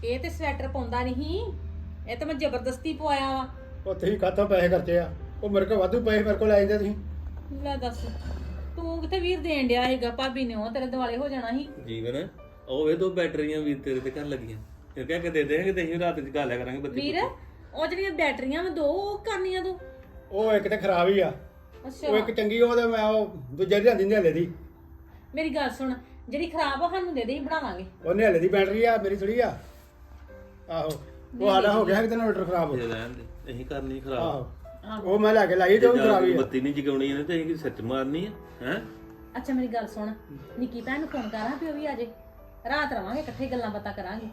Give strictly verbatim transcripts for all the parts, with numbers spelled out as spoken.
ਇਹ ਤੇ ਸਵੈਟਰ ਪਾਉਂਦਾ ਨਹੀਂ, ਇਹ ਤਾਂ ਮੈਂ ਜ਼ਬਰਦਸਤੀ ਪਵਾਇਆ ਵਾ। ਉਹ ਤੁਸੀਂ ਕਾਹਤੋਂ ਪੈਸੇ ਖਰਚੇ ਆ? ਉਹ ਮੇਰੇ ਕੋਲ ਵਾਧੂ ਪੈਸੇ ਮੇਰੇ ਕੋਲ ਲੈ ਜਾਂਦੇ ਤੁਸੀਂ। ਲੈ ਦੱਸ ਤੂੰ ਕਿੱਥੇ ਵੀਰ ਦੇਣ ਡਿਆ ਹੈਗਾ? ਭਾਬੀ ਨੇ ਉਹ ਤੇਰੇ ਦਿਵਾਲੇ ਹੋ ਜਾਣਾ ਸੀ। ਜੀਵਨ ਉਹ ਵੇ ਦੋ ਬੈਟਰੀਆਂ ਵੀਰ ਤੇਰੇ ਤੇ ਘਰ ਲੱਗੀਆਂ, ਇਹ ਕਹਿ ਕੇ ਦੇ ਦੇਣਗੇ ਤੇ ਅਸੀਂ ਰਾਤ ਚ ਗਾ ਲਿਆ ਕਰਾਂਗੇ ਬੱਤੀ ਵੀਰ ਉਹ ਜਿਹੜੀਆਂ ਬੈਟਰੀਆਂ ਵਾ ਦੋ ਉਹ ਕਰਨੀਆਂ ਤੂੰ। ਉਹ ਇੱਕ ਤੇ ਖਰਾਬ ਹੀ ਆ, ਉਹ ਅੱਛਾ ਇੱਕ ਚੰਗੀ ਉਹ ਤੇ ਮੈਂ ਉਹ ਦੂਜੇ ਦੀ ਲਿਆਂਦੀ ਨਿਹਲੇ ਦੀ। ਮੇਰੀ ਗੱਲ ਸੁਣ, ਜਿਹੜੀ ਖਰਾਬ ਆ ਸਾਨੂੰ ਦੇ ਦੇ, ਹੀ ਬਣਾਵਾਂਗੇ। ਉਹ ਨਿਹਲੇ ਦੀ ਬੈਟਰੀ ਆ, ਮੇਰੀ ਥੋੜੀ ਆ। ਆਹੋ ਉਹ ਸਾਡਾ ਹੋ ਗਿਆ ਕਿਤੇ ਇਨਵਰਟਰ ਖਰਾਬ। ਦੇ ਰਹਿਣ ਦੇ, ਅਸੀਂ ਕਰਨੀ ਖਰਾਬ। ਆਹੋ ਉਹ ਮੈਂ ਲੈ ਕੇ ਲਾਈ ਤੇ ਉਹ ਵੀ ਖਰਾਬ ਹੀ ਆ। ਬੱਤੀ ਨਹੀਂ ਜਗਾਉਣੀ ਇਹਨੇ ਤੇ ਅਸੀਂ ਸੱਚ ਮਾਰਨੀ ਆ ਹੈ। ਅੱਛਾ ਮੇਰੀ ਗੱਲ ਸੁਣ, ਨਿੱਕੀ ਭੈਣ ਨੂੰ ਫੋਨ ਕਰਾਂ ਵੀ ਉਹ ਵੀ ਆ ਜੇ, ਰਾਤ ਰਵਾਂਗੇ ਇਕੱਠੇ, ਗੱਲਾਂ ਬਾਤਾਂ ਕਰਾਂਗੇ।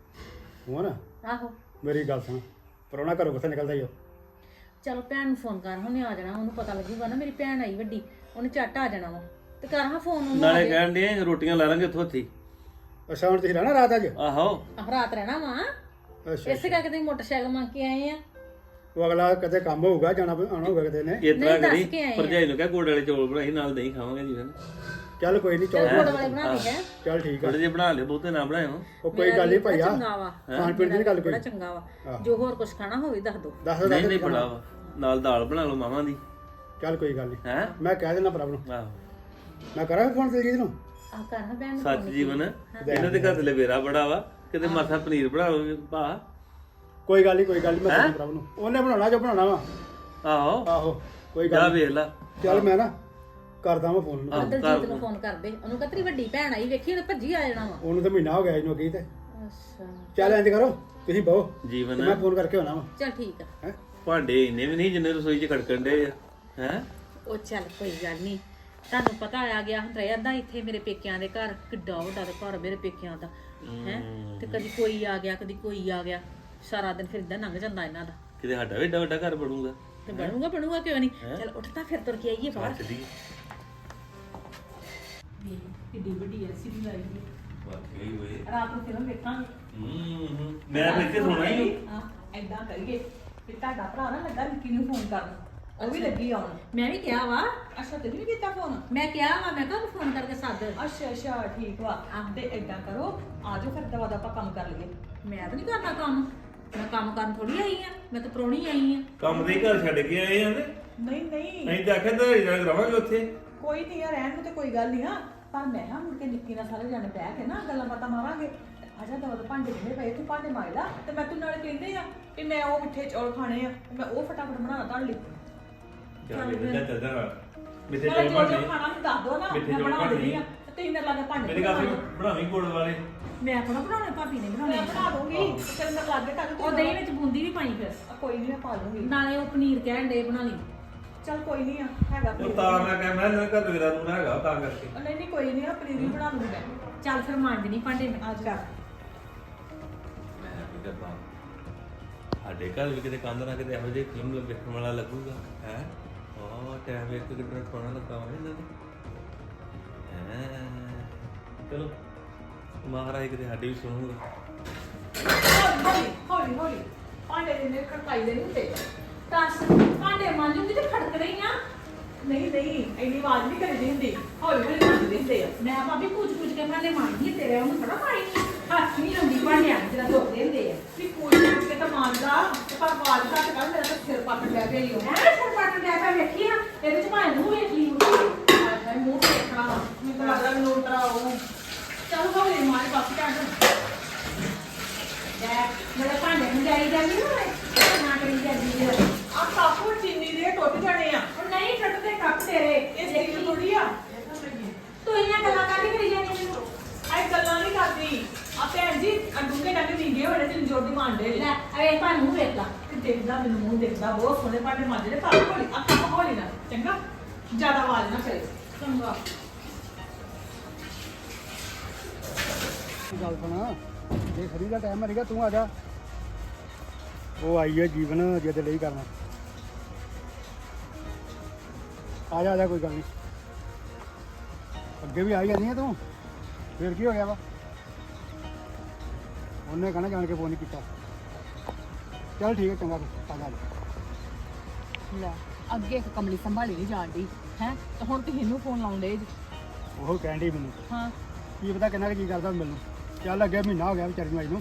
ਹੋ ਨਾ ਆਹੋ ਮੇਰੀ ਗੱਲ ਸੁਣ, ਪਰੋਣਾ ਘਰੋਂ ਕਿੱਥੇ ਨਿਕਲਦਾ ਈ ਉਹ। ਚਲੋ ਭੈਣ ਨੂੰ ਫੋਨ ਕਰ, ਉਹਨੇ ਆ ਜਾਣਾ, ਉਹਨੂੰ ਪਤਾ ਲੱਗੂਗਾ ਨਾ ਮੇਰੀ ਭੈਣ ਆਈ ਵੱਡੀ, ਉਹਨੇ ਝੱਟ ਆ ਜਾਣਾ ਵਾ। ਤੇ ਕਰ ਹਾਂ ਫੋਨ ਉਹਨੂੰ। ਨਾਲੇ ਕਹਿਣ ਦੇ ਰੋਟੀਆਂ ਲਾ ਲਾਂਗੇ ਇੱਥੋਂ ਉੱਥੇ। ਅੱਛਾ ਹੁਣ ਤੁਸੀਂ ਰਹਿਣਾ ਰਾਤ ਅੱਜ? ਆਹੋ ਆਹ ਰਾਤ ਰਹਿਣਾ ਵਾ। ਅੱਛਾ ਇਸੇ ਕਰਕੇ ਤੁਸੀਂ ਮੋਟਰਸਾਈਕਲ ਮੰਗ ਕੇ ਆਏ ਆ। ਉਹ ਅਗਲਾ ਕਿਤੇ ਕੰਮ ਹੋਊਗਾ, ਜਾਣਾ ਆਉਣਾ ਹੋਊਗਾ ਕਿਤੇ ਨੇ। ਇਸ ਤਰ੍ਹਾਂ ਨਹੀਂ, ਦੱਸ ਕਰੀ ਕੇ ਆਏ ਆ। ਭਰਜਾਈ ਨੂੰ ਕਹਿ ਗੋੜ ਵਾਲੇ ਚੌਲ ਬਣਾਈ ਨਾਲ ਦਹੀਂ ਖਾਵਾਂਗੇ ਜੀਵਨ। ਚੱਲ ਕੋਈ ਨਹੀਂ, ਚਲ ਚੌਲ ਗੁੜ ਵਾਲੇ ਬਣਾ ਦੇ ਹੈ। ਚੱਲ ਠੀਕ ਆ। ਥੋੜੇ ਜਿਹੇ ਬਣਾ ਲਿਓ, ਬਹੁਤੇ ਨਾ ਬਣਾਇਓ। ਉਹ ਕੋਈ ਗੱਲ ਨਹੀਂ ਭਾਈਆ, ਚੰਗਾ ਵਾ, ਖਾਣ ਪੀਣ ਦੀ ਨੀ ਗੱਲ ਕੋਈ। ਬੜਾ ਚੰਗਾ ਵਾ। ਆਹੋ। ਜੋ ਹੋਰ ਕੁਝ ਖਾਣਾ ਹੋਵੇ ਦੱਸ ਦੋ। ਦੱਸ ਨਹੀਂ ਦੱਸ ਨਹੀਂ ਬੜਾ ਵਾ, ਨਾਲ ਦਾਲ ਬਣਾ ਲਓ ਮਾਵਾਂ ਦੀ। ਚੱਲ ਕੋਈ ਗੱਲ ਨਹੀਂ, ਹੈ ਮੈਂ ਕਹਿ ਦੇਣਾ ਭਰਾ ਨੂੰ। ਆਹੋ ਮੈਂ ਕਰਾਂ ਫੋਨ ਦਿਲਜੀਤ ਨੂੰ। ਆ ਕਰ ਹਾਂ ਭੈਣ ਨੂੰ ਸੱਚ phone ਜੀਵਨ ਇਹਨਾਂ ਦੇ ਘਰ ਤੇ ਲਵੇਰਾ ਬੜਾ ਵਾ, ਕਿਤੇ ਮਾਥਾ ਪਨੀਰ ਬਣਾ ਲਓ ਭਾ। ਕੋਈ ਗੱਲ ਨਹੀਂ ਕੋਈ ਗੱਲ ਨਹੀਂ, ਮੈਂ ਕਹਿ ਭਰਾ ਨੂੰ, ਉਹਨੇ ਬਣਾਉਣਾ ਜੋ ਬਣਾਉਣਾ ਵਾ। ਆਹੋ ਆਹੋ ਕੋਈ ਜਾ ਗੱਲ ਨੀ। ਵੇਖ ਲਾ। ਚੱਲ ਮੈਂ ਨਾ ਕਰਦਾ ਮੈਂ ਫੋਨ ਨੂੰ। ਆਹੋ, ਦਲਜੀਤ ਨੂੰ ਫੋਨ ਕਰ ਦੇ, ਉਹਨੂੰ ਕਹ ਤੇਰੀ ਵੱਡੀ ਭੈਣ ਆਈ, ਵੇਖੀ ਉਹਨੇ ਭੱਜੀ ਆ ਜਾਣਾ ਵਾ। ਉਹਨੂੰ ਤਾਂ ਮਹੀਨਾ ਹੋ ਗਿਆ ਇਹਨੂੰ ਅੱਗੇ ਤੇ। ਅੱਛਾ ਚੱਲ ਇੰਜ ਕਰੋ, ਤੁਸੀਂ ਬਹੋ, ਜੀਵਨ ਮੈਂ ਫੋਨ ਕਰਕੇ ਆਉਣਾ ਵਾ। ਚਲ ਠੀਕ ਆ। ਹੈ ਭਾਂਡੇ ਇੰਨੇ ਵੀ ਨਹੀਂ ਜਿੰਨੇ ਰਸੋਈ 'ਚ ਖੜਕਣ ਦੇ ਆ ਹੈ। ਉਹ ਚੱਲ ਕੋਈ ਗੱਲ ਨਹੀਂ, ਤੁਹਾਨੂੰ ਪਤਾ ਆ ਗਿਆ ਹੁਣ ਰਹਿੰਦਾ ਇੱਥੇ ਮੇਰੇ ਪੇਕਿਆਂ ਦੇ ਘਰ, ਕਿੱਡਾ ਵੱਡਾ ਤੇ ਘਰ ਮੇਰੇ ਪੇਕਿਆਂ ਦਾ ਹੈ। ਤੇ ਕਦੀ ਕੋਈ ਆ ਗਿਆ, ਕਦੀ ਕੋਈ ਆ ਗਿਆ, ਸਾਰਾ ਦਿਨ ਫਿਰ ਇਦਾਂ ਲੰਘ ਜਾਂਦਾ ਇਹਨਾਂ ਦਾ। ਕਿਤੇ ਸਾਡਾ ਵੀ ਏਡਾ ਵੱਡਾ ਘਰ ਬਣੂਗਾ ਤੇ ਬਣੂਗਾ ਬਣੂਗਾ ਕਿਉਂ ਨਹੀਂ। ਚਲ ਉੱਠ ਤਾਂ ਫਿਰ ਤੁਰ ਕੇ ਆਈਏ ਬਾਹਰ। ਚੱਲੀਏ। ਕਿੱਡੀ ਵੱਡੀ ਐਸੀ ਦੀ ਲਾਈ ਹੈ, ਵਾਕਈ ਓਏ। ਰਾਤ ਨੂੰ ਫਿਲਮ ਵੇਖਾਂਗੇ। ਹੂੰ ਹੂੰ ਮੈਂ ਤਾਂ ਇੱਥੇ ਸੋਣਾ ਹੀ। ਹਾਂ ਐਦਾਂ ਕਰੀਏ ਕਿ ਤੁਹਾਡਾ ਭਰਾ ਨਾ ਲੱਗਾ ਨਿੱਕੀ ਨੂੰ ਫੋਨ ਕਰਨ, ਉਹ ਵੀ ਲੱਗੀ ਆਉਣ। ਮੈਂ ਵੀ ਕਿਹਾ ਵਾ। ਅੱਛਾ ਤੁਸੀਂ ਵੀ ਕੀਤਾ ਫੋਨ? ਮੈਂ ਕਿਹਾ ਵਾ, ਮੈਂ ਕਿਹਾ ਉਹਨੂੰ ਫੋਨ ਕਰਕੇ ਸੱਦ। ਅੱਛਾ ਅੱਛਾ ਠੀਕ ਵਾ। ਤੇ ਏਦਾਂ ਕਰੋ, ਆਜੋ ਫਿਰ ਦਵਾ ਦਾ ਆਪਾਂ ਕੰਮ ਕਰ ਲਈਏ। ਮੈਂ ਤਾਂ ਨਹੀਂ ਕਰਨਾ ਕੰਮ, ਮੈਂ ਕੰਮ ਕਰਨ ਥੋੜੀ ਆਈ ਆ, ਮੈਂ ਤਾਂ ਪ੍ਰਾਹੁਣੀ ਆਈ ਆ। ਕੰਮ ਦੇ ਘਰ ਛੱਡ ਕੇ ਆਏ ਆਂ ਤੇ ਨਹੀਂ ਨਹੀਂ ਅਸੀਂ ਤਾਂ ਆਖਿਆ ਤਾਂ ਜਾ ਰਵਾਂਗੇ ਉੱਥੇ। ਕੋਈ ਨਹੀਂ ਆ, ਰਹਿਣ ਨੂੰ ਤੇ ਕੋਈ ਗੱਲ ਨਹੀਂ ਆ, ਪਰ ਮੈਂ ਹਾਂ ਮੁੜ ਕੇ ਨਿੱਕੀ ਨਾਲ ਸਾਰੇ ਜਾਣੇ ਬਹਿ ਕੇ ਨਾ ਗੱਲਾਂ ਬਾਤਾਂ ਮਾਰਾਂਗੇ। ਆਜਾ ਦਵਾ ਦਾ ਭਾਂਡੇ ਜਿਹੜੇ ਪਏ ਤੂੰ ਭਾਂਡੇ ਮਾਰ ਲਾ, ਤੇ ਮੈਂ ਤੂੰ ਨਾਲੇ ਕਹਿੰਦੇ ਆ ਕਿ ਮੈਂ ਉਹ ਮਿੱਠੇ ਚੌਲ ਖਾਣੇ ਆ, ਮੈਂ ਉਹ ਫਟਾਫਟ ਬਣਾ ਤੁਹਾਡੇ ਲਈ। ਚੱਲ ਇੱਦਾਂ ਚੱਲ ਜਾਣਾ ਮਿੱਠੇ ਨਾਲੇ ਚੌਲ ਜੋ ਜੋ ਬਣਨੇ। ਖਾਣਾ ਮੈਨੂੰ ਦੱਸ ਦੋ ਨਾ, ਮਿੱਠੇ ਮੈਂ ਚੌਲ ਬਣਾ ਦਿੰਦੀ ਬਣਨੇ। ਆ। ਤੇ ਤੁਸੀਂ ਮੇਰੇ ਲਾਗੇ ਭਾਂਡੇ ਮੇਰੇ ਘਰ ਬਣਾਵੀਂ ਗੁੜ ਵਾਲੇ। ਮੈਂ ਆਪਣਾ ਬਣਾਉਣੇ, ਭਾਬੀ ਨੇ ਬਣਾਉਣੇ। ਮੈਂ ਬਣਾ ਦੂੰਗੀ, ਤੇ ਫਿਰ ਮੇਰੇ ਲਾਗੇ ਟੱਕ ਉਹ ਦਹੀਂ ਵਿੱਚ ਬੂੰਦੀ ਵੀ ਪਾਈ ਫਿਰ, ਕੋਈ ਨਹੀਂ ਮੈਂ ਪਾ ਦੂੰਗੀ। ਨਾਲੇ ਉਹ ਪਨੀਰ ਕਹਿਣ ਦੇ ਬਣਾ ਲਈ। ਚੱਲ ਕੋਈ ਨਹੀਂ ਆ, ਹੈਗਾ ਉਹ ਪਨੀਰ। ਤਾਂ ਮੈਂ ਕਿਹਾ ਮੈਂ ਨਾ ਘਰ ਮੇਰਾ ਨੂੰ ਹੈਗਾ ਤਾਂ ਕਰਕੇ। ਨਹੀਂ ਨਹੀਂ ਕੋਈ ਨਹੀਂ ਆ, ਪਨੀਰ ਵੀ ਬਣਾ ਲੂੰਗੀ ਮੈਂ। ਚੱਲ ਫਿਰ ਮਾਂਜ ਨਹੀਂ ਭਾਂਡੇ ਮੈਂ। ਅੱਜ ਕਰ ਮੈਂ ਕੀ ਕਰਦਾ, ਸਾਡੇ ਘਰ ਵੀ ਕਿਤੇ ਕੰਧ ਨਾ ਕਿਤੇ ਇਹੋ ਜਿਹੀ ਫਿਲਮ ਵੇਖਣ ਵਾਲਾ ਲੱਗੂਗਾ ਹੈ। ਉਹ ਟਾਈਮ ਵੇਖ ਕੇ ਕਿੰਨਾ ਸੋਹਣਾ ਲੱਗਾ ਵਾ ਇਹਨਾਂ ਨੂੰ ਹੈਂ। ਚਲੋ ਮਹਾਰਾਜ ਕਿਤੇ ਸਾਡੀ ਵੀ ਸੁਣੂਗਾ। ਹੌਲੀ ਹੌਲੀ ਹੌਲੀ ਭਾਂਡੇ ਦੇ ਨੇ ਖੜਕਾਈ ਦੇ ਨਹੀਂ ਹੁੰਦੇ। ਦੱਸ ਭਾਂਡੇ ਮਾਂਜੂਗੀ ਤੇ ਖੜਕ ਰਹੀ ਆ। ਨਹੀਂ ਨਹੀਂ ਇੰਨੀ ਆਵਾਜ਼ ਨਹੀਂ ਕਰੀਦੀ ਹੁੰਦੀ, ਹੌਲੀ ਹੌਲੀ ਮਾਂਜਦੇ ਹੁੰਦੇ ਆ। ਮੈਂ ਭਾਬੀ ਕੁਝ ਕੁਝ ਕੇ ਭਾਂਡੇ ਮਾਂਜਦੀ ਆ, ਤੇਰੇ ਉਹਨੂੰ ਥੋੜਾ ਪਾਈ ਹੱਥ ਨਹੀਂ ਲਾਉਂਦੀ ਭਾਂਡਿਆਂ ਨੂੰ, ਜਿਹੜਾ ਧੋਦੇ ਹੁੰਦੇ ਆ। ਵੀ ਕੋਈ ਕੁਝ ਕੇ ਤਾਂ ਮਾਂਜਦਾ, ਤੇ ਪਰ ਆਵਾਜ਼ ਘੱਟ ਕਰ, ਮੇਰਾ ਤਾਂ ਸਿਰ ਪੱਟ ਲੈ ਗਈ ਉਹ। ਐ ਸਿਰ ਪੱਟ ਲੈ ਕੇ ਵੇਖੀ ਆ, ਇਹਦੇ ਚ ਭਾਵੇਂ ਮੂੰਹ ਵੇਖ ਲਈ ਹੁੰਦੀ। ਹਾਏ ਹਾਏ ਮੂੰਹ ਦੇਖਣਾ, ਮੈਨੂੰ ਤਾਂ ਲੱਗਦਾ ਮੈਨੂੰ ਉਤਰਾ ਉਹ। ਚੱਲ ਹੌਲੀ ਮਾਰ ਬਾਕੀ ਟਾਂਡ ਲੈ ਮੇਰੇ ਭਾਂਡੇ ਨੂੰ ਜਾਈ ਜਾਂਦੀ ਨਾ ਨਾ ਕਰੀ ਜਾਂਦੀ ਆ। ਆ ਕਾਪੂ ਚੀਨੀ ਦੇ ਟੁੱਟ ਜਾਣੇ ਆ। ਉਹ ਨਹੀਂ ਟੁੱਟਦੇ ਕੱਪ ਤੇਰੇ, ਇਹ ਸਟੀਲ ਥੋੜੀ ਆ। ਤੂੰ ਇਹਨਾਂ ਗੱਲਾਂ ਕਾਹਦੀ ਕਰੀ ਜਾਂਦੀ ਮੈਨੂੰ? ਆਏ ਗੱਲਾਂ ਨਹੀਂ ਕਰਦੀ ਆ ਭੈਣ ਜੀ, ਆ ਡੂੰਘੇ ਡੰਗੇ ਵਿੰਗੇ ਹੋਣੇ ਤੇ ਜੋਰ ਦੀ ਮਾਂਡੇ ਲੈ ਅਰੇ ਭਾਂ ਮੂੰਹ ਵੇਖ ਲਾ। ਤੇ ਦੇਖਦਾ ਮੈਨੂੰ ਮੂੰਹ ਦੇਖਦਾ, ਬਹੁਤ ਸੋਹਣੇ ਭਾਂਡੇ ਮਾਂਜਦੇ ਨੇ। ਪਰ ਹੌਲੀ ਆ ਕੰਮ ਹੌਲੀ ਨਾ, ਚੰਗਾ ਜ਼ਿਆਦਾ ਆਵਾਜ਼ ਨਾ ਕਰੇ। ਚੰਗਾ ਗੱਲ ਸੁਣਾ, ਜੇ ਖਰੀ ਦਾ ਟਾਈਮ ਮਰੇਗਾ ਤੂੰ ਆ ਜਾ। ਉਹ ਆਈ ਹੈ ਜੀਵਨ ਜਿਹਦੇ ਲਈ ਕਰਨਾ। ਆ ਜਾ ਆ ਜਾ, ਕੋਈ ਗੱਲ ਨਹੀਂ। ਅੱਗੇ ਵੀ ਆਈ ਜਾਂਦੀ ਹੈ ਤੂੰ, ਫਿਰ ਕੀ ਹੋ ਗਿਆ ਵਾ? ਉਹਨੇ ਕਹਿਣਾ ਜਾਣ ਕੇ ਫੋਨ ਨਹੀਂ ਕੀਤਾ। ਚੱਲ ਠੀਕ ਹੈ, ਚੰਗਾ ਫਿਰ ਆ ਜਾ। ਲੈ ਅੱਗੇ ਇੱਕ ਕਮਲੀ ਸੰਭਾਲੀ ਨਹੀਂ ਜਾਣਦੀ ਹੈ, ਤੇ ਹੁਣ ਤੁਸੀਂ ਇਹਨੂੰ ਫੋਨ ਲਾਉਂਦੇ ਜੀ। ਉਹ ਕਹਿਣ ਡਈ ਮੈਨੂੰ, ਹਾਂ ਕੀ ਪਤਾ ਕਿੰਨਾ ਕੁ ਜੀ ਕਰਦਾ ਮੈਨੂੰ। ਚੱਲ ਅੱਗੇ ਮਹੀਨਾ ਹੋ ਗਿਆ ਵਿਚਾਰੀ ਨੂੰ ਆਈ ਨੂੰ,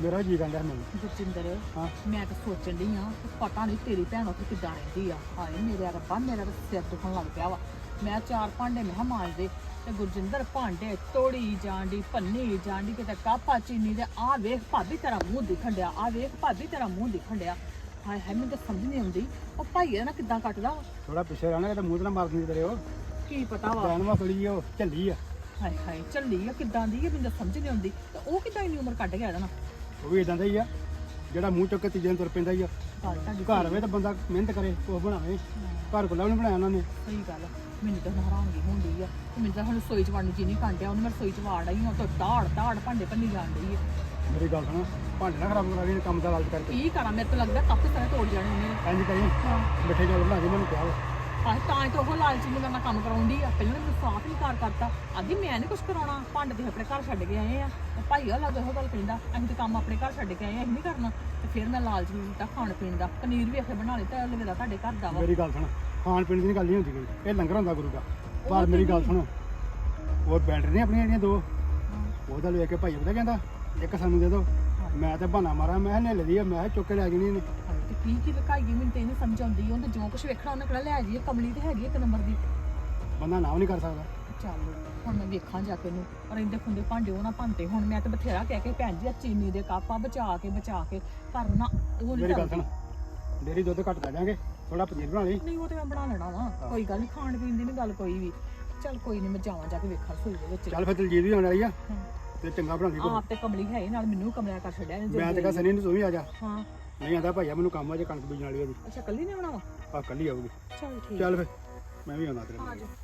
ਮੇਰਾ ਜੀ ਕਹਿੰਦਾ ਮੈਨੂੰ। ਗੁਰਜਿੰਦਰ ਹਾਂ ਮੈਂ ਤਾਂ ਸੋਚਣ ਡਈ ਆ ਪਤਾ ਨਹੀਂ ਤੇਰੀ ਭੈਣ ਉੱਥੇ ਕਿੱਦਾਂ ਰਹਿੰਦੀ ਆ। ਹਾਏ ਮੇਰੇ ਰੱਬਾ ਮੇਰਾ ਤਾਂ ਸਿਰ ਦੁਖਣ ਲੱਗ ਪਿਆ ਵਾ। ਮੈਂ ਚਾਰ ਭਾਂਡੇ ਮੈਂ ਕਿਹਾ ਮਾਂਜਦੇ ਤੇ ਗੁਰਜਿੰਦਰ ਭਾਂਡੇ ਤੋੜੀ ਜਾਂਦੀ ਭੰਨੀ ਜਾਂਦੀ ਕਿਤੇ ਕਾਪਾ ਚੀਨੀ ਦੇ ਆ ਵੇਖ ਭਾਬੀ ਤੇਰਾ ਮੂੰਹ ਦਿਖਣ ਡਿਆ ਆ ਵੇਖ ਭਾਬੀ ਤੇਰਾ ਮੂੰਹ ਦਿਖਣ ਡਿਆ। ਹਾਏ ਹਾਏ ਮੈਨੂੰ ਤਾਂ ਸਮਝ ਨਹੀਂ ਆਉਂਦੀ ਉਹ ਭਾਈ ਨਾ ਕਿੱਦਾਂ ਕੱਟਦਾ ਵਾ। ਥੋੜਾ ਪਿੱਛੇ ਰਹਿਣਾ ਕਿਤੇ ਮੂੰਹ ਤੇ ਨਾ ਮਾਰ ਦਿੰਦੀ ਤੇਰੇ ਉਹ ਕੀ ਪਤਾ ਵਾ ਜਾਨਵਾ ਥੋੜੀ ਉਹ ਝੱਲੀ ਆ। ਹਾਏ ਹਾਏ ਚੱਲੀ ਆ ਕਿੱਦਾਂ ਦੀ ਆ ਮੈਨੂੰ ਤਾਂ ਸਮਝ ਨਹੀਂ ਆਉਂਦੀ ਤੇ ਉਹ ਕਿੱਦਾਂ ਇੰਨੀ ਉਮਰ ਕੱਢ ਗਿਆ ਇਹਦਾ ਨਾ। ਉਹ ਵੀ ਇਦਾਂ ਦਾ ਹੀ ਆ ਜਿਹੜਾ ਮੂੰਹ ਚੁੱਕ ਕੇ ਤੀਜੇ ਨੂੰ ਤੁਰ ਪੈਂਦਾ ਹੀ ਆ। ਗੱਲ ਤੁਹਾਡੀ ਘਰ ਹੋਵੇ ਤਾਂ ਬੰਦਾ ਮਿਹਨਤ ਕਰੇ ਕੁਛ ਬਣਾਵੇ। ਘਰ ਕੋਲ ਨਹੀਂ ਬਣਾਇਆ ਉਹਨਾਂ ਨੇ। ਸਹੀ ਗੱਲ ਆ। ਮੈਨੂੰ ਤਾਂ ਹੈਰਾਨਗੀ ਹੁੰਦੀ ਆ ਤੇ ਮੈਨੂੰ ਤਾਂ ਹੁਣ ਰਸੋਈ ਚ ਵੜਨ ਨੂੰ ਜੀ ਨਹੀਂ ਕਾਂਡਿਆ ਉਹਨੂੰ ਮੈਂ ਰਸੋਈ ਚ ਵਾੜ ਆਈ ਹਾਂ ਤਾਂ ਦਾੜ ਦਾੜ ਭਾਂਡੇ ਭੰਨੀ ਜਾਣ ਡਈ ਆ। ਮੇਰੀ ਗੱਲ ਸੁਣ ਭਾਂਡੇ ਨਾ ਖਰਾਬ ਕਰਾ ਕੇ ਕੰਮ ਦਾ ਲਾਲਚ ਕਰਕੇ ਕੀ ਕਰਾਂ ਮੇਰੇ ਤੋਂ ਲੱਗਦਾ ਕੱਪ ਸਾਰੇ ਤੋੜ ਜਾਣੇ ਉਹਨੇ। ਇੰਝ ਕਰੀ ਮਿੱਠੇ ਚੌਲ ਬਣਾ ਕੇ ਮੈਨੂੰ ਕਿਹਾ ਵਾ। ਆਹ ਤਾਂ ਹੀ ਤਾਂ ਉਹ ਲਾਲਚੀ ਨੂੰ ਮੇਰੇ ਨਾਲ ਕੰਮ ਕਰਾਉਂਦੀ ਆ। ਪਹਿਲਾਂ ਮੈਨੂੰ ਸਾਫ਼ ਹੀ ਕਾਰ ਕਰਤਾ ਆਂਦੀ ਮੈਂ ਨਹੀਂ ਕੁਝ ਕਰਾਉਣਾ ਭਾਂਡੇ ਤੇ ਆਪਣੇ ਘਰ ਛੱਡ ਕੇ ਆਏ ਆ ਤੇ ਭਾਈ ਉਹ ਲੱਗ ਉਹ ਗੱਲ ਕਹਿੰਦਾ ਅਸੀਂ ਤਾਂ ਕੰਮ ਆਪਣੇ ਘਰ ਛੱਡ ਕੇ ਆਏ ਆ ਅਸੀਂ ਨਹੀਂ ਕਰਨਾ। ਤੇ ਫਿਰ ਮੈਂ ਲਾਲਚ ਨੂੰ ਦਿੱਤਾ ਖਾਣ ਪੀਣ ਦਾ ਪਨੀਰ ਵੀ ਇੱਥੇ ਬਣਾ ਲਿਆ ਤੇ ਮੇਰਾ ਤੁਹਾਡੇ ਘਰ ਦਾ ਵਾ। ਮੇਰੀ ਗੱਲ ਸੁਣ ਖਾਣ ਪੀਣ ਦੀ ਗੱਲ ਨਹੀਂ ਹੁੰਦੀ ਕੋਈ ਇਹ ਲੰਗਰ ਹੁੰਦਾ ਗੁਰੂ ਦਾ। ਪਰ ਮੇਰੀ ਗੱਲ ਸੁਣ ਉਹ ਬੈਟਰੀ ਨਹੀਂ ਆਪਣੀਆਂ ਜਿਹੜੀਆਂ ਦੋ ਉਹਦਾ ਲੈ ਕੇ ਭਾਈ ਉਹਦਾ ਕਹਿੰਦਾ ਇੱਕ ਸਾਨੂੰ ਦੇ ਦਿਓ। ਮੈਂ ਤਾਂ ਬਹਾਨਾ ਮਾਰਾਂ ਮੈਂ ਨੇ ਲਈ ਆ ਮੈਂ ਚੁੱਕ ਕੇ ਲੈ ਜਾਣੀ ਨੇ। ਤੇ ਕੀ ਕੀ ਲਕਾਈ ਮੈਨੂੰ ਤੇ ਨਹੀਂ ਸਮਝ ਆਉਂਦੀ ਉਹਨੇ ਜੋ ਕੁਝ ਵੇਖਣਾ ਉਹਨੇ ਕਿਹੜਾ ਲੈ ਜਾਈਏ ਕਮਲੀ ਤੇ ਹੈਗੀ ਇੱਕ ਨੰਬਰ ਦੀ। ਬੰਦਾ ਨਾ ਵੀ ਨਹੀਂ ਕਰ ਸਕਦਾ। ਚੱਲ ਹੁਣ ਮੈਂ ਵੇਖਾਂ ਜਾ ਕੇ ਇਹਨੂੰ ਪਰ ਇਹਦੇ ਖੁੰਦੇ ਭਾਂਡੇ ਉਹ ਨਾ ਭੰਤੇ ਹੁਣ ਮੈਂ ਤਾਂ ਬਥੇਰਾ ਕਹਿ ਕੇ ਭੈਣ ਜੀ ਆ ਚੀਨੀ ਦੇ ਕੱਪ ਆ ਬਚਾ ਕੇ ਬਚਾ ਕੇ ਪਰ ਨਾ ਉਹ ਮੇਰੀ ਗੱਲ ਨਹੀਂ ਸੁਣ ਡੇਰੀ ਦੁੱਧ ਘੱਟ ਲੈ ਜਾਾਂਗੇ ਥੋੜਾ ਪਨੀਰ ਬਣਾ ਲਈ। ਨਹੀਂ ਉਹ ਤੇ ਮੈਂ ਬਣਾ ਲੈਣਾ ਵਾ ਕੋਈ ਗੱਲ ਨਹੀਂ ਖਾਣ ਪੀਣ ਦੀ ਨਹੀਂ ਗੱਲ ਕੋਈ ਵੀ। ਚੱਲ ਕੋਈ ਨਹੀਂ ਮੈਂ ਜਾਵਾਂ ਜਾ ਕੇ ਵੇਖਾਂ ਰਸੋਈ ਦੇ ਵਿੱਚ। ਚੱਲ ਫਿਰ ਦਲਜੀਤ ਵੀ ਆਉਣ ਵਾਲੀ ਆ ਤੇ ਚੰਗਾ ਬਣਾਉਂਦੀ ਕੋਈ। ਆਪ ਤੇ ਕਮਲੀ ਹੈ ਹੀ ਨਾਲ ਮੈਨੂੰ ਵੀ ਕਮਲਿਆ ਕਰ ਛੱਡਿਆ ਇਹਨੇ ਮੈਂ ਤੇ ਕਹਾਂ ਸਨੀ ਨੂੰ ਤੂੰ ਵੀ ਆ ਜਾ। ਹਾਂ ਨਹੀਂ ਆਂਦਾ ਭਾਈਆ ਮੈਨੂੰ ਕੰਮ ਆ ਜੇ ਕਣਕ ਬੀਜਣ ਵਾਲੀ ਉਹਦੀ ਅੱਛਾ ਕੱਲੀ ਨੇ ਬਣਾਵਾ। ਆ ਕੱਲੀ ਆਊਗੀ। ਚੱਲ ਠੀਕ ਚੱਲ ਫਿਰ ਮੈਂ ਵੀ ਆਉਣਾ ਤੇਰੇ ਆ ਨਾਲ। ਜਾ।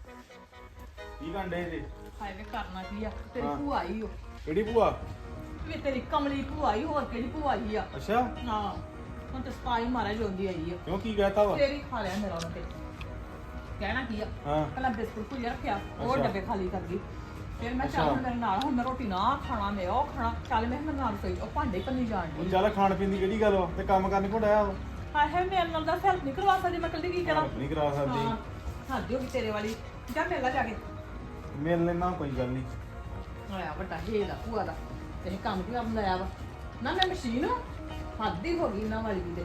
ਕੀ ਕੰਡੇ ਜੀ ਹਾਏ ਵੇ ਕਰਨਾ ਕੀ ਆ ਤੇਰੀ ਹਾਂ। ਭੂਆ ਆਈ ਓ ਕਿਹੜੀ ਭੂਆ? ਵੀ ਤੇਰੀ ਕਮਲੀ ਭੂਆ ਆਈ ਹੋਰ ਕਿਹੜੀ ਭੂਆ ਆਈ ਆ। ਅੱਛਾ ਹਾਂ ਹੁਣ ਤੇ ਸਪਾਈ ਮਾਰਾ ਜੋਂਦੀ ਆਈ ਆ ਕਿਉਂ ਕੀ ਕਹਿਤਾ ਵਾ? ਤੇਰੀ ਖਾ ਲਿਆ ਮੇਰਾ ਉਹਨੇ ਤੇ ਕਹਿਣਾ ਕੀ ਆ ਹਾਂ ਪਹਿਲਾਂ ਬਿਸਕੁਟ ਭੁਜਿਆ ਰੱਖਿਆ ਉਹ ਅੱਛਾ। ਡੱਬੇ ਖਾਲੀ ਕਰ ਗਈ ਫਿਰ ਮੈਂ ਚੱਲ ਅੱਛਾ। ਹੁਣ ਮੇਰੇ ਨਾਲ ਹੁਣ ਮੈਂ ਰੋਟੀ ਨਾ ਖਾਣਾ ਮੈਂ ਉਹ ਖਾਣਾ ਚੱਲ ਮੈਂ ਮੇਰੇ ਨਾਲ ਸੋਈ ਉਹ ਭਾਂਡੇ ਭੰਨੀ ਜਾਣ ਉਹ ਦੀ ਚੱਲ ਖਾਣ ਪੀਣ ਦੀ ਕਿਹੜੀ ਗੱਲ ਵਾ ਤੇ ਕੰਮ ਕਰਨ ਕੋ ਡਾਇਆ ਵਾ? ਹਾਏ ਹਾਏ ਮੇਰੇ ਨਾਲ ਦਾ ਹੈਲਪ ਨਹੀਂ ਕਰਵਾ ਸਕਦੀ ਮੈਂ ਕੱਲੀ ਕੀ ਕਰਾਂ। ਨਹੀਂ ਕਰਾ ਹਾਂ ਸਕਦੀ। ਸਾਡੀ ਹੋ ਗਈ ਤੇਰੇ ਵਾਲੀ ਜਾ ਮੇਲਾ ਜਾ ਕੇ ਮਿਲ ਲੈਣਾ ਕੋਈ ਗੱਲ ਨਹੀਂ। ਆਇਆ ਵੱਡਾ ਹੀਲਾ ਭੂਆ ਦਾ ਤੇ ਕੰਮ ਕੀ ਕੰਮ ਲਾਇਆ ਵਾ ਨਾ ਮੈਂ ਮਸ਼ੀਨ ਹੱਦ ਹੀ ਹੋ ਗਈ ਇਹਨਾਂ ਵਾਲੀ ਵੀ ਤੇ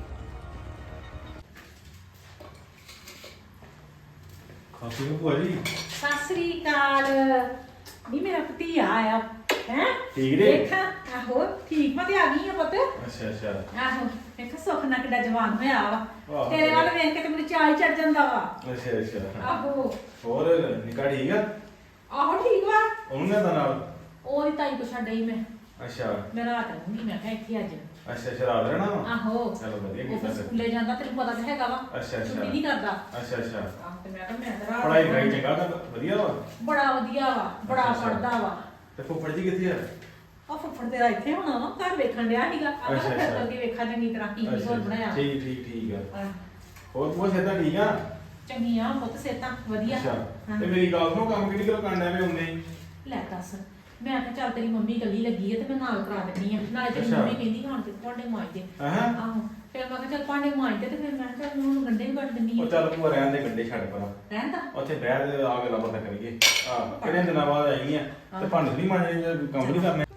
ਖਾਤੀ ਨੂੰ ਭੂਆ ਜੀ ਸਤਿ ਸ੍ਰੀ ਅਕਾਲ ਨੀ ਮੇਰਾ ਭਤੀਆ ਆਇਆ ਹੈ। ਠੀਕ ਨੇ? ਦੇਖਾ ਆਹੋ ਠੀਕ ਮੈਂ ਤੇ ਆ ਗਈ ਆ ਪੁੱਤ। ਅੱਛਾ ਅੱਛਾ ਆਹੋ ਦੇਖ ਸੁੱਖ ਨਾਲ ਕਿੱਡਾ ਜਵਾਨ ਹੋਇਆ ਵਾ ਵਾਹ। ਤੇਰੇ ਵੱਲ ਵੇਖ ਕੇ ਤੇ ਮੈਨੂੰ ਚਾਹ ਹੀ ਚੜ ਜਾਂਦਾ ਵਾ। ਅੱਛਾ ਅੱਛਾ ਆਹੋ ਹੋਰ ਨਿਕਾ ਠੀਕ ਆ? ਆਹੋ ਠੀਕ ਵਾ ਉਹਨੂੰ ਨਾ ਦਾ ਨਾਲ ਉਹਦੀ ਤਾਈ ਕੋ ਛੱਡ ਆਈ ਮੈਂ ਅੱਛਾ ਮੈਂ ਰਾਤ ਰਹੂੰਗੀ ਮੈਂ ਕਿਹਾ ਇੱਥੇ ਅੱਜ। ਅੱਛਾ ਸ਼ਰਾਬ ਰਹਿਣਾ ਵਾ? ਆਹੋ ਚਲੋ ਵਧੀਆ ਉਹ ਕੀਤਾ ਫਿਰ ਫਿਰ। ਸਕੂਲੇ ਜਾਂਦਾ ਤੈਨੂੰ ਪਤਾ ਤਾਂ ਹੈਗਾ ਵਾ ਅੱਛਾ ਅੱਛਾ ਛੁੱਟੀ ਨਹੀਂ ਕਰਦਾ। ਅੱਛਾ ਅੱਛਾ ਆਹ ਤੇ ਮੈਂ ਕਿਹਾ ਮੈਂ ਤਾਂ ਰਾਤ ਪੜਾਈ ਕਰਾਈ ਚੰਗਾ ਤਾਂ ਵਧੀਆ ਵਾ? ਬੜਾ ਵਧੀਆ ਵਾ ਬੜਾ ਅੱਛਾ, ਅੱਛਾ। ਪੜਦਾ ਵਾ। ਤੇ ਫੁੱਫੜ ਜੀ ਕਿੱਥੇ ਆ? ਉਹ ਫੁੱਫੜ ਤੇਰਾ ਇੱਥੇ ਹੋਣਾ ਵਾ ਘਰ ਵੇਖਣ ਡਿਆ ਸੀਗਾ ਆਪਾਂ ਅੱਛਾ, ਤਾਂ ਫਿਰ ਅੱਛਾ। ਕਰਕੇ ਵੇਖਾਂ ਚੰਗੀ ਤਰ੍ਹਾਂ ਕੀ ਕੀ ਹੋਰ ਬਣਾਇਆ। ਠੀਕ ਠੀਕ ਠੀਕ ਆ। ਆਹ, ਹੋਰ ਭੂਆ ਸਿਹਤਾਂ ਠੀਕ ਆ? ਚੰਗੀਆਂ ਪੁੱਤ ਸੇਤਾਂ ਵਧੀਆ। ਅੱਛਾ ਹਾਂ। ਤੇ ਮੇਰੀ ਗੱਲ ਸੁਣੋ ਕੰਮ ਕਿਹੜੀ ਗੱਲ ਕਰਨ ਐਵੇਂ ਹੁੰਦੇ ਹੀ? ਲੈ ਦੱਸ ਮੈਂ ਕਿਹਾ ਚੱਲ ਤੇਰੀ ਮੰਮੀ ਇਕੱਲੀ ਲੱਗੀ ਹੈ ਤੇ ਮੈਂ ਨਾਲ ਕਰਾ ਦਿੰਦੀ ਆ ਨਾਲੇ ਤੇਰੀ ਅੱਛਾ। ਮੰਮੀ ਕਹਿੰਦੀ ਹਾਂ ਤੇ ਭਾਂਡੇ ਮਾਂਜਦੇ। ਹਾਂ ਆਹੋ ਫਿਰ ਮੈਂ ਕਿਹਾ ਚੱਲ ਭਾਂਡੇ ਮਾਂਜਦੇ ਤੇ ਫਿਰ ਮੈਂ ਕਿਹਾ ਚੱਲ ਉਹਨੂੰ ਗੰਢੇ ਵੀ ਕੱਟ ਦਿੰਦੀ ਉਹ ਆ। ਚੱਲ ਭੂਆ ਰਹਿਣ ਦੇ ਗੱਡੇ ਛੱਡ ਪਰਾਂ। ਰਹਿਣ ਦਾ ਉੱਥੇ ਬਹਿ ਦੇ ਆ ਗੱਲਾਂ ਬਾਤਾਂ ਕਰੀਏ। ਆ ਕਿਹੜੇ ਦਿਨਾਂ ਬਾਅਦ ਆਈ ਆ ਤੇ ਭਾਂਡੇ ਨਹੀਂ ਮਾਂਜਣੇ ਜਾਂ ਕੰਮ ਨਹੀਂ ਕਰਨੇ।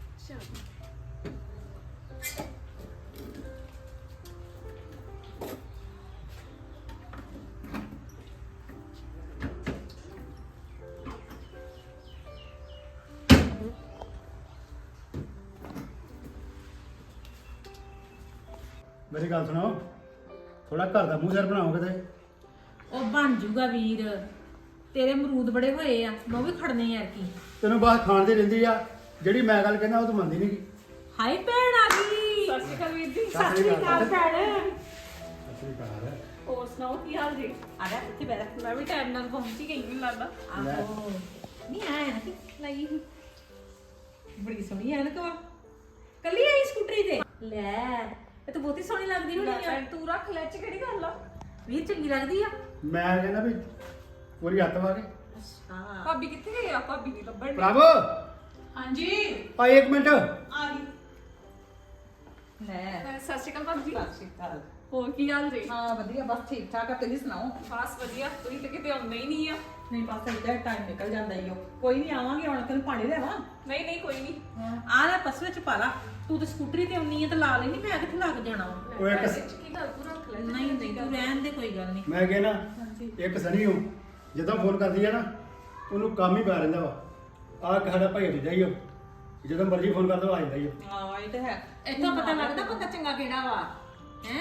ਮੇਰੀ ਗੱਲ ਸੁਣੋ ਥੋੜਾ ਘਰ ਦਾ ਮੂੰਹ ਸਿਰ ਬਣਾਓ ਕਿਤੇ। ਉਹ ਬਣ ਜੂਗਾ ਵੀਰ ਤੇਰੇ ਅਮਰੂਦ ਬੜੇ ਹੋਏ ਆ ਮੈਂ ਉਹ ਵੀ ਖੜਨੇ ਯਾਰ ਕੀ। ਤੈਨੂੰ ਬਾਹਰ ਖਾਣ ਦੀ ਰਹਿੰਦੀ ਆ ਜਿਹੜੀ ਮੈਂ ਗੱਲ ਕਹਿੰਦਾ ਉਹ ਤੂੰ ਮੰਨਦੀ ਨਹੀਂ। ਹਾਏ ਭੈਣ ਆ ਗਈ। ਸਤਿ ਸ਼੍ਰੀ ਅਕਾਲ ਵੀਰ ਜੀ। ਸਤਿ ਸ੍ਰੀ ਅਕਾਲ ਭੈਣ। ਅਸਲੀ ਘਰ ਹੈ। ਹੋਰ ਸੁਣਾਓ ਕੀ ਹਾਲ ਜੀ? ਆ ਜਾ ਇੱਥੇ ਬੈਠ। ਮੈਂ ਵੀ ਟਾਈਮ ਨਾਲ ਪਹੁੰਚ ਹੀ ਗਈ ਮੈਨੂੰ ਲੱਗਦਾ। ਆਹੋ ਨਹੀਂ ਆਇਆ ਨਾ ਕਿ ਲਈ ਸੀ। ਬੜੀ ਸੋਹਣੀ ਐ ਨਾ ਕਵਾ ਕੱਲੀ ਆਈ ਸਕੂਟਰੀ ਤੇ ਲੈ ਇਹ ਤਾਂ ਬਹੁਤੀ ਸੋਹਣੀ ਲੱਗਦੀ ਹੋਣੀ ਆ। ਤੂੰ ਰੱਖ ਲੈ ਚ ਕਿਹੜੀ ਗੱਲ ਆ? ਵੀਰ ਚੰਗੀ ਲੱਗਦੀ ਆ। ਮੈਂ ਕਹਿੰਦਾ ਵੀ ਪੂਰੀ ਹੱਥ ਵਾ ਕੇ ਅੱਛਾ ਭਾਬੀ ਕਿੱਥੇ ਗਈ ਆ? ਭਾਬੀ ਨਹੀਂ ਲੱਭਣ ਡਈ। ਪ੍ਰਭ ਹਾਂਜੀ ਆ ਇੱਕ ਮਿੰਟ। ਆ ਗਈ। ਲੈ ਸਤਿ ਸ਼੍ਰੀ ਅਕਾਲ ਭਾਬੀ। ਸਤਿ ਸ਼੍ਰੀ ਅਕਾਲ ਹੋਰ ਕੀ ਹਾਲ ਜੀ? ਹਾਂ ਵਧੀਆ, ਬਸ ਠੀਕ ਠਾਕ ਆ। ਤੁਸੀਂ ਸੁਣਾਓ? ਬਸ ਵਧੀਆ, ਤੁਸੀਂ ਤੇ ਕਿਤੇ ਆਉਂਦੇ ਹੀ ਨਹੀਂ ਆ। ਨਹੀਂ ਬਸ ਏਦਾਂ ਟਾਈਮ ਨਿਕਲ ਜਾਂਦਾ ਈ ਓ। ਕੋਈ ਨਹੀਂ ਆਵਾਂਗੇ ਹੁਣ, ਤੈਨੂੰ ਪਾਣੀ ਲਿਆਵਾਂ? ਨਹੀਂ ਨਹੀਂ ਕੋਈ ਨਹੀਂ। ਆ ਲੈ ਪਸ ਵਿੱਚ ਪਾ ਲਾ। ਤੂੰ ਤੇ ਸਕੂਟਰੀ ਤੇ ਆਉਣੀ ਆ ਤੇ ਲਾ ਲੈਣੀ, ਮੈਂ ਕਿੱਥੇ ਲੱਗ ਜਾਣਾ ਵਾ। ਉਹ ਇੱਕ ਕੀ ਗੱਲ ਤੂੰ ਰੱਖ ਲੈ। ਨਹੀਂ ਨਹੀਂ ਤੂੰ ਰਹਿਣ ਦੇ, ਕੋਈ ਗੱਲ ਨਹੀਂ। ਮੈਂ ਕਿਹਾ ਨਾ ਇੱਕ ਸਨੀ ਹੋ ਜਦੋਂ ਫੋਨ ਕਰਦੀ ਆ ਨਾ ਉਹਨੂੰ ਕੰਮ ਹੀ ਪੈ ਰਹਿੰਦਾ ਵਾ। ਆਹ ਸਾਡਾ ਭਾਈ ਦੂਜਾ ਹੀ ਉਹ ਜਦੋਂ ਮਰਜ਼ੀ ਫੋਨ ਕਰਦਾ ਉਹ ਆ ਜਾਂਦਾ ਹੀ ਉਹ। ਹਾਂ ਇਹ ਤੇ ਹੈ। ਇੱਥੋਂ ਪਤਾ ਲੱਗਦਾ ਬੰਦਾ ਚੰਗਾ ਕਿਹੜਾ ਵਾ ਹੈ।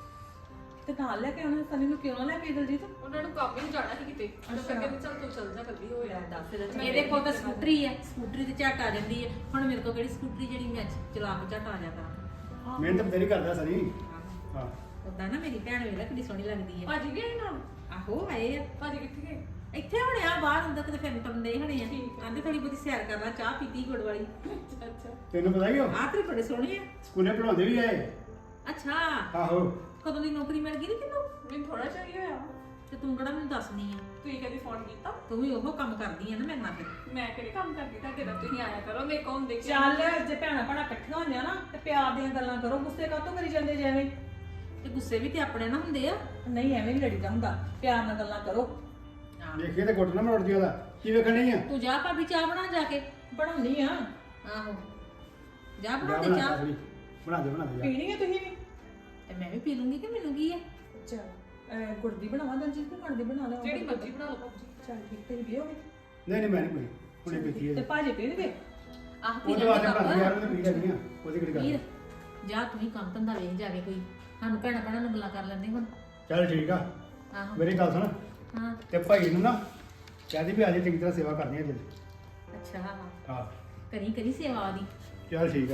ਤੇ ਨਾਲ ਲੈ ਕੇ ਆਉਣਾ ਸਨੀ ਨੂੰ, ਕਿਉਂ ਨਾ ਲੈ ਕੇ ਦਲਜੀਤ? ਉਹਨਾਂ ਨੂੰ ਕੰਮ ਹੀ ਜਾਣਾ ਸੀ ਕਿਤੇ। ਉਹ ਕਹਿੰਦੇ ਚੱਲ ਤੂੰ ਚੱਲ ਜਾ, ਕੱਲੀ ਹੋ ਜਾ। ਦੱਸ ਇਹਦਾ ਚੱਲ। ਇਹਦੇ ਕੋਲ ਤਾਂ ਸਕੂਟਰੀ ਹੈ, ਸਕੂਟਰੀ ਤੇ ਝੱਟ ਆ ਜਾਂਦੀ ਹੈ। ਹੁਣ ਮੇਰੇ ਕੋਲ ਕਿਹੜੀ ਸਕੂਟਰੀ ਜਿਹੜੀ ਮੈਂ ਚਲਾ ਕੇ ਝੱਟ ਆ ਜਾ ਕਰਾਂ। ਮਿਹਨਤ ਬਥੇਰੀ ਕਰਦਾ ਸਨੀ। ਹਾਂ ਉਦਾਂ ਨਾ ਮੇਰੀ ਭੈਣ ਵੇਲਾ ਕਿੰਨੀ ਸੋਹਣੀ ਲੱਗਦੀ ਹੈ। ਭਾਜੀ ਗਏ ਨਾਲ? ਆਹੋ ਆਏ ਆ। ਭਾਜੀ ਕਿੱਥੇ ਗਏ? ਇੱਥੇ ਹੁਣੇ ਆ ਬਾਹਰ ਅੰਦਰ ਕਿਤੇ ਫਿਰਨ ਟਰਨ ਦੇ ਹੋਣੇ ਆ। ਆਂਦੇ ਥੋੜੀ ਬਹੁਤੀ ਸੈਰ ਕਰ ਲਾ, ਚਾਹ ਪੀਤੀ ਗੁੜ ਵਾਲੀ। ਅੱਛਾ ਅੱਛਾ। ਤੈਨੂੰ ਪਤਾ ਹੀ ਉਹ ਆਹ ਤੇਰੇ ਬੜੇ ਸੋਹਣੇ ਆ। ਸਕੂਲੇ ਪੜਾਉਂਦੇ ਵੀ ਆਏ। ਅੱਛਾ ਆਹੋ ਕਦੋਂ ਦੀ ਨੌਕਰੀ ਮਿਲ ਗਈ ਨੀ ਤੈਨੂੰ? ਮੈਨੂੰ ਥੋੜਾ ਚਾਹੀਏ ਹੋਇਆ। ਤੇ ਤੂੰ ਕਿਹੜਾ ਮੈਨੂੰ ਦੱਸਣੀ ਆ? ਤੁਸੀਂ ਕਦੀ ਫੋਨ ਕੀਤਾ? ਤੂੰ ਵੀ ਉਹ ਕੰਮ ਕਰਦੀ ਆ ਨਾ ਮੇਰੇ ਨਾਲ ਫਿਰ। ਮੈਂ ਕਿਹੜੇ ਕੰਮ ਕਰਦੀ ਤੁਹਾਡੇ ਨਾਲ? ਤੁਸੀਂ ਆਇਆ ਕਰੋ ਮੇਰੇ ਕੋਲ ਹੁੰਦੇ ਕੀ। ਚੱਲ ਜੇ ਭੈਣਾਂ ਭੈਣਾਂ ਇਕੱਠੀਆਂ ਹੋਈਆਂ ਨਾ ਤੇ ਪਿਆਰ ਦੀਆਂ ਗੱਲਾਂ ਕਰੋ, ਗੁੱਸੇ ਕਾਹਤੋਂ ਕਰੀ ਜਾਂਦੇ ਜਿਵੇਂ? ਤੇ ਗੁੱਸੇ ਵੀ ਤੇ ਆਪਣੇ ਨਾਲ ਹੁੰਦੇ ਆ। ਨਹੀਂ ਐਵੇਂ ਨਹੀਂ ਲੜੀਦਾ ਹੁੰਦਾ, ਪਿਆਰ ਨਾਲ ਗੱਲਾਂ ਕਰੋ। ਦੇਖੀਏ ਤੇ ਗੁੱਟ ਨਾ ਮਰੋੜਦੀ ਉਹਦਾ। ਕੀ ਵੇਖਣ ਨਹੀਂ ਆ? ਤੂੰ ਜਾ ਭਾਬੀ ਚਾਹ ਬਣਾ ਜਾ ਕੇ। ਬਣਾਉਣੀ ਆ। ਆਹੋ ਜਾ ਜਾ ਬਣਾ ਦੇ ਬਣਾ ਚਾਹ। ਦੇ ਬਣਾ ਦੇ ਬਣਾ ਦੇ ਜਾ। ਪੀਣੀ ਹੈ ਤੁਸੀਂ ਵੀ? ਤੇ ਮੈਂ ਵੀ ਪੀ ਲੂੰਗੀ ਕਿ ਮੈਨੂੰ ਕੀ ਹੈ। ਚੱਲ ਗੁੜ ਦੀ ਬਣਾਵਾਂ ਦਲਜੀਤ ਤੇ ਗੁੜ ਦੀ ਬਣਾ ਲਓ। ਜਿਹੜੀ ਮਰਜ਼ੀ ਬਣਾ ਲਓ ਭਾਜੀ। ਚੱਲ ਠੀਕ, ਤੇਰੀ ਪੀਓਗੇ? ਨਹੀਂ ਨਹੀਂ ਮੈਂ ਨਹੀਂ ਪੀਣੀ, ਹੁਣੇ ਪੀਤੀ ਹੈ ਤੇ ਜੀ। ਭਾਜੀ ਪੀਣਗੇ? ਆਹ ਪੀ ਉਹਦੇ ਲੈਂਦੇ ਵਾਸਤੇ ਬਣਾਦੀ ਯਾਰ, ਕੱਪ। ਉਹਨੇ ਪੀ ਲੈਣੀ ਆ। ਉਹਦੀ ਕਿਹੜੀ ਵੀਰ ਗੱਲ। ਜਾ ਤੂੰ ਹੀ ਕੰਮ ਧੰਦਾ ਵੇਖ ਜਾਵੇ ਕੋਈ। ਸਾਨੂੰ ਭੈਣਾਂ ਭੈਣਾਂ ਨੂੰ ਗੱਲਾਂ ਕਰ ਲੈਂਦੇ ਹੁਣ। ਚੱਲ ਠੀਕ ਆ। ਆਹੋ ਮੇਰੀ ਗੱਲ ਸੁਣ ਹਾਂ ਤੇ ਭਾਈ ਨੂੰ ਨਾ ਕਹਦੀ ਵੀ ਅੱਜ ਚੰਗੀ ਤਰ੍ਹਾਂ ਸੇਵਾ ਕਰਨੀ ਹੈ ਜੀ। ਅੱਛਾ ਹਾਂ ਹਾਂ ਕਰੀ ਕਰੀ ਸੇਵਾ ਦੀ। ਚੱਲ ਠੀਕ ਆ।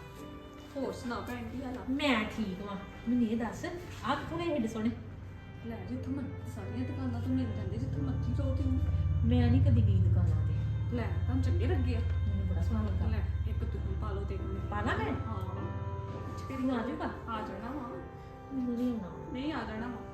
ਹੋਰ ਸੁਣਾ ਭੈਣ ਕੀ ਹਾਲ ਆ? ਮੈਂ ਠੀਕ ਵਾਂ। ਮੈਨੂੰ ਇਹ ਦੱਸ ਆਹ ਕਿੱਥੋਂ ਗਏ ਏਡੇ ਸੋਹਣੇ? ਲੈ ਜਿੱਥੋਂ ਮੈਂ ਸਾਰੀਆਂ ਦੁਕਾਨਾਂ ਤੋਂ ਮਿਲ ਜਾਂਦੇ, ਜਿੱਥੋਂ ਮਰਜ਼ੀ ਜਾਓ ਤੁਸੀਂ। ਮੈਂ ਨਹੀਂ ਕਦੀ ਗਈ ਦੁਕਾਨਾਂ ਤੇ। ਲੈ ਤੁਹਾਨੂੰ ਚੰਗੇ ਲੱਗੇ ਆ? ਮੈਨੂੰ ਬੜਾ ਸੋਹਣਾ ਲੱਗਾ। ਲੈ ਇੱਕ ਤੁਸੀਂ ਪਾ ਲਓ ਤੇ ਇੱਕ ਮੈਂ ਪਾ ਲਾਂ ਮੈਂ? ਹਾਂ ਤੇਰੀ ਆ ਜਾਊਗਾ? ਆ ਜਾਣਾ ਵਾ। ਮੈਨੂੰ ਨਹੀਂ ਆਉਣਾ। ਨਹੀਂ ਆ ਜਾਣਾ ਵਾ।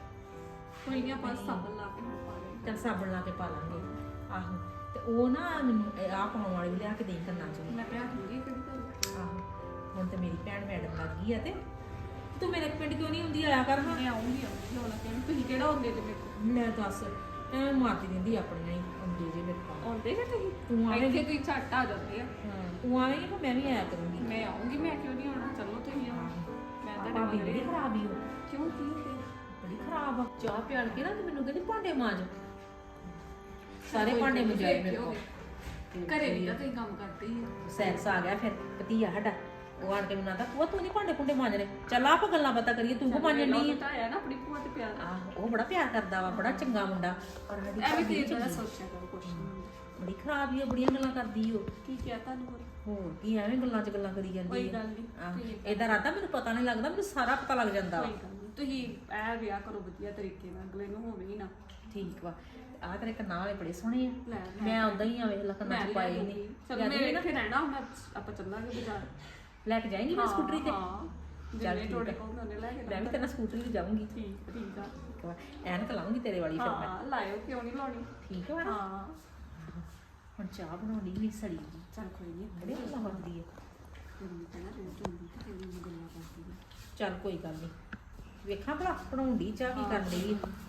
ਕੋਈ ਨਹੀਂ ਆਪਾਂ ਸਾਬਣ ਲਾ ਕੇ ਪਾ ਲੈਂਦੇ। ਚੱਲ ਸਾਬਣ ਲਾ ਕੇ ਪਾ ਲਾਂਗੇ। ਆਹੋ ਤੇ ਉਹ ਨਾ ਮੈਨੂੰ ਇਹ ਆਹ ਪਾਉਣ ਵਾਲੀ ਵੀ ਲਿਆ ਕੇ ਦੇਈ ਕਰਨਾ ਚਾਹੀਦਾ। ਮੈਂ ਪਿਆ ਦੂੰਗੀ ਕਿਹੜੀ ਗੱਲ। ਆਹੋ ਹੁਣ ਤੇ ਮੇਰੀ ਭੈਣ ਮੈਡਮ ਲੱਗ ਗਈ ਆ ਤੇ ਤੂੰ ਮੇਰੇ ਪਿੰਡ ਕਿਉਂ ਨਹੀਂ ਹੁੰਦੀ? ਆਇਆ ਕਰ ਹਾਂ। ਮੈਂ ਆਉਂਗੀ ਆਉਂਗੀ ਹੁਣ ਕਿਉਂ? ਤੁਸੀਂ ਕਿਹੜਾ ਹੁੰਦੇ ਤੇ ਮੇਰੇ ਕੋਲ? ਮੈਂ ਦੱਸ ਐ ਮਾਰਦੀ ਰਹਿੰਦੀ ਆਪਣੀਆਂ ਹੀ ਆਉਂਦੀ ਜੇ ਮੇਰੇ ਕੋਲ। ਆਉਂਦੇ ਜੇ ਤੁਸੀਂ? ਤੂੰ ਆਵੇਂਗੀ? ਇੱਥੇ ਤੁਸੀਂ ਝੱਟ ਆ ਜਾਂਦੇ ਆ। ਹਾਂ ਤੂੰ ਆਵੇਂਗੀ ਤਾਂ ਮੈਂ ਵੀ ਆਇਆ ਕਰੂੰਗੀ। ਮੈਂ ਆਉਂਗੀ, ਮੈਂ ਕਿਉਂ ਨਹੀਂ ਆਉਣਾ? ਚਲੋ ਤੁਸੀਂ ਆਓ। ਮੈਂ ਤੁਹਾਡੇ ਭਾਬੀ ਮਗਰ ਬੜੀ ਹੀ ਆ। ਖਰਾਬ ਹੀ ਹੋ। ਕਿਉਂ ਕੀ ਹੋ ਗਿਆ? ਬੜੀ ਖਰਾਬ ਆ। ਚਾਹ ਪਿਆਲ ਕੇ ਨਾ ਤੇ ਮੈਨੂੰ ਕਹਿੰਦੀ ਭਾਂਡੇ ਮਾਂਜ। ਸਾਰੇ ਕੋਈ ਭਾਂਡੇ ਗੱਲ ਨੀ, ਮਜਾਏ ਫਿਰ ਮੇਰੇ ਕੀ ਹੋ ਕੋਲ। ਗਿਆ? ਘਰੇ ਵੀ ਤਾਂ ਤੁਸੀਂ ਕੰਮ ਕਰਦੇ ਹੀ ਆ। ਸੈਕਸ ਆ ਗਿਆ ਫਿਰ ਭਤੀਆ ਸਾਡਾ। ਉਹ ਆਣ ਕੇ ਮੈਨੂੰ ਆਂਦਾ ਭੂਆ ਤੂੰ ਨਹੀਂ ਭਾਂਡੇ ਭੁੰਡੇ ਮਾਂਜਣੇ। ਚੱਲ ਆਪ ਗੱਲਾਂ ਬਾਤਾਂ ਕਰੀਏ, ਤੂੰ ਕੋ ਮਾਂਜਣੀ ਆ। ਤਾਂ ਆਇਆ ਨਾ ਆਪਣੀ ਭੂਆ ਤੇ ਪਿਆਰ। ਆਹ ਉਹ ਬੜਾ ਪਿਆਰ ਕਰਦਾ ਵਾ, ਬੜਾ ਚੰਗਾ ਮੁੰਡਾ। ਔਰ ਸਾਡੀ ਐਵੇਂ ਭਾਬੀ ਤੇ ਇਦਾਂ ਚੰਗੀ। ਸੋਚਿਆ ਕਰੋ ਕੁਛ ਨਹੀਂ ਹੁੰਦਾ। ਬੜੀ ਖਰਾਬ ਹੀ ਆ, ਬੜੀਆਂ ਗੱਲਾਂ ਕਰਦੀ ਉਹ। ਕੀ ਕਿਹਾ ਤੁਹਾਨੂੰ ਹੋਰ? ਹੋਰ ਕੀ ਐਵੇਂ ਗੱਲਾਂ 'ਚ ਗੱਲਾਂ ਕਰੀ ਜਾਂਦੀ ਕੋਈ ਆ। ਗੱਲ ਨੀ, ਆਹ, ਠੀਕ ਇਹਦਾ ਰਾਤਾ ਮੈਨੂੰ ਪਤਾ ਨਹੀਂ ਲੱਗਦਾ, ਮੈਨੂੰ ਸਾਰਾ ਪਤਾ ਲੱਗ ਜਾਂਦਾ ਵਾ। ਕੋਈ ਗੱਲ ਨਹੀਂ, ਤੁਸੀਂ ਐ ਵਿਆਹ ਕਰੋ ਵਧੀਆ ਤਰੀਕੇ ਨਾਲ, ਅਗਲੇ ਨੂੰ ਹੋਵੇ ਹੀ ਨਾ। ਠੀਕ ਵਾ। ਆਹ ਤੇਰੇ ਕੰਨਾਂ ਵਾਲੇ ਬੜੇ ਸੋਹਣੇ ਆ। ਲੈ ਮੈਂ ਉਦਾਂ ਹੀ ਆ ਵੇਖ ਲਾ ਕੰਨਾਂ 'ਚ ਪਾਏ ਨਹੀਂ। ਚਲ ਮੈਂ ਇੱਥੇ ਰਹਿਣਾ ਹੁਣ, ਆਪਾਂ ਚੱਲਾਂਗੇ ਬਾਜ਼ਾਰ। ਲੈ ਕੇ ਜਾਏਂਗੀ ਮੈਂ ਸਕੂਟਰੀ ਤੇ? ਹਾਂ ਚੱਲ ਜਿੰਨੇ ਠੀਕ ਤੁਹਾਡੇ ਆ। ਕੋਲ ਉਹਨੇ ਲੈ ਕੇ ਮੈਂ ਵੀ ਤੇਰੇ ਨਾਲ ਸਕੂਟਰੀ ਤੇ ਜਾਊਂਗੀ। ਠੀਕ ਠੀਕ ਆ। ਠੀਕ ਵਾ। ਐਨਕ ਲਾਉਂਗੀ ਤੇਰੇ ਵਾਲੀ ਫਿਰ ਮੈਂ। ਹਾਂ ਲਾਇਓ, ਕਿਉਂ ਨਹੀਂ ਲਾਉਣੀ? ਠੀਕ ਵਾ ਨਾ? ਹਾਂ ਹੁਣ ਚਾਹ ਬਣਾਉਣੀ ਨਹੀਂ ਸੜੀ ਜੀ। ਚਲ ਕੋਈ ਨਹੀਂ। ਬੜੀ ਗੱਲਾਂ ਕਰਦੀ ਹੈ। ਤੈਨੂੰ ਕਹਿਣਾ ਰੋਜ਼ ਹੁੰਦੀ ਤੇ ਤੈਨੂੰ ਗੱਲਾਂ ਕਰਦੀ ਆ। ਚੱਲ ਕੋਈ ਗੱਲ ਨਹੀਂ। ਵੇਖਾਂ ਭਲਾ ਬਣਾਉਂਦੀ ਚਾਹ ਕੀ ਕਰਨ ਲਈ।